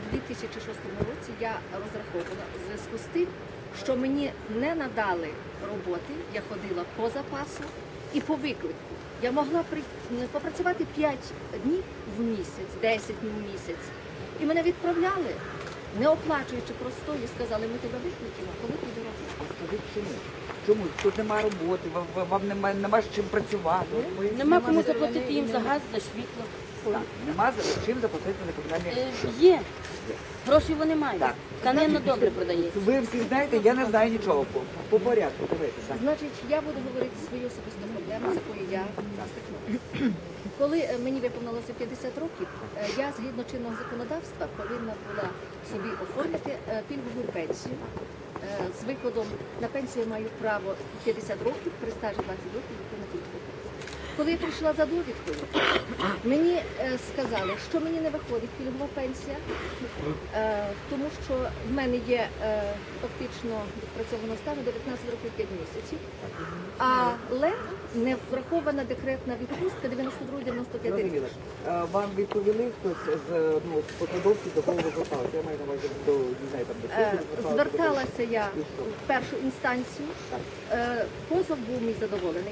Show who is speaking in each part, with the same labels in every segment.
Speaker 1: 2006 році я розраховувала у зв'язку з тим, що мені не надали роботи, я ходила по запасу і по виклику. Я могла попрацювати 5 днів в місяць, 10 днів в місяць. І мене відправляли, не оплачуючи простою, сказали, ми тебе викликаємо, коли піде робота.
Speaker 2: А скажіть, чому? Чому? Тут немає роботи, вам нема з чим працювати.
Speaker 3: Нема кому заплатити їм за газ, за світло.
Speaker 2: Так, нема з чим заплатити за комунальні.
Speaker 3: Є. Гроші вони мають.
Speaker 2: Так.
Speaker 3: Тканина добре продається.
Speaker 2: Ви всі знаєте, я не знаю нічого. По порядку, давайте. Так.
Speaker 1: Значить, я буду говорити свою особисту проблему, з якою я стикнулася. Коли мені виповнилося 50 років, я згідно чинного законодавства повинна була собі оформити пільгову пенсію. З виходом на пенсію я маю право 50 років, при стажі 20 років на пільгову. Коли я прийшла за довідкою, мені сказали, що мені не виходить пільгова пенсія, тому що в мене є фактично відпрацьованого стану 19 років 5 місяців, але не врахована декретна відпустка 92-95 років.
Speaker 2: Вам відповіли хтось з посадовців, до кого ви зверталися? Я маю на увазі до, не знаю, там, до суду.
Speaker 1: Зверталася я в першу інстанцію, позов був мій задоволений.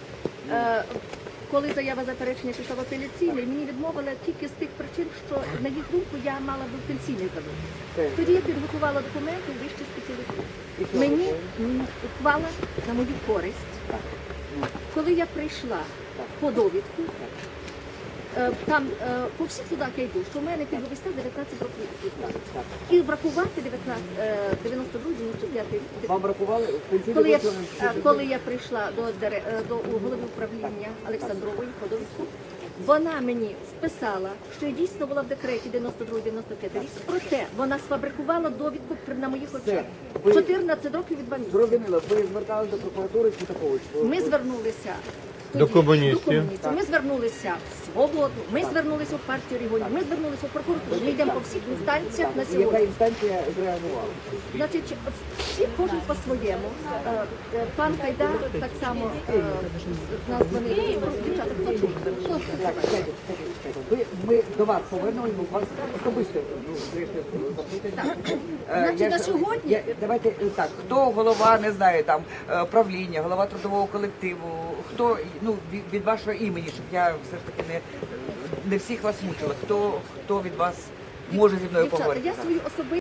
Speaker 1: Коли заява заперечення пішла в апеляційний, мені відмовили тільки з тих причин, що, на їх думку, я мала би пенсійний задоволення. Тоді я підготувала документи у вищій спеціалізації. Мені ухвала на мою користь. Коли я прийшла по довідку, там по всіх судах я йду, що в мене пільговий стаж 19 років. І врахувати 92-95 рік.
Speaker 2: Вам врахували пенсійний
Speaker 1: Коли я прийшла до голови управління Олександрової по довідку, вона мені вписала, що я дійсно була в декреті 92-95 рік, проте вона сфабрикувала довідку на моїх очах. 14 років і 2 місяці.
Speaker 2: Зрозуміло, ви зверталися до прокуратури чи такого?
Speaker 1: Ми звернулися
Speaker 4: до комуністів.
Speaker 1: Ми звернулися в Свободу, ми звернулися в партію регіонів, ми звернулися в прокуратуру. Ми йдемо по всіх інстанціях на
Speaker 2: Яка
Speaker 1: сьогодні.
Speaker 2: інстанція зреагувала?
Speaker 1: Значить, всі кожен по-своєму. Пан Кайдар так само нас вони дівчата. Хто чув?
Speaker 2: Так, чекайте. Ми до вас повернули, бо вас особисто запитати.
Speaker 1: Значить, на сьогодні...
Speaker 2: Давайте так, хто голова, не знаю, там, правління, голова трудового колективу, хто, від вашого імені, щоб я все ж таки не всіх вас мучила, хто від вас може зі мною поговорити?
Speaker 1: Я свою особисту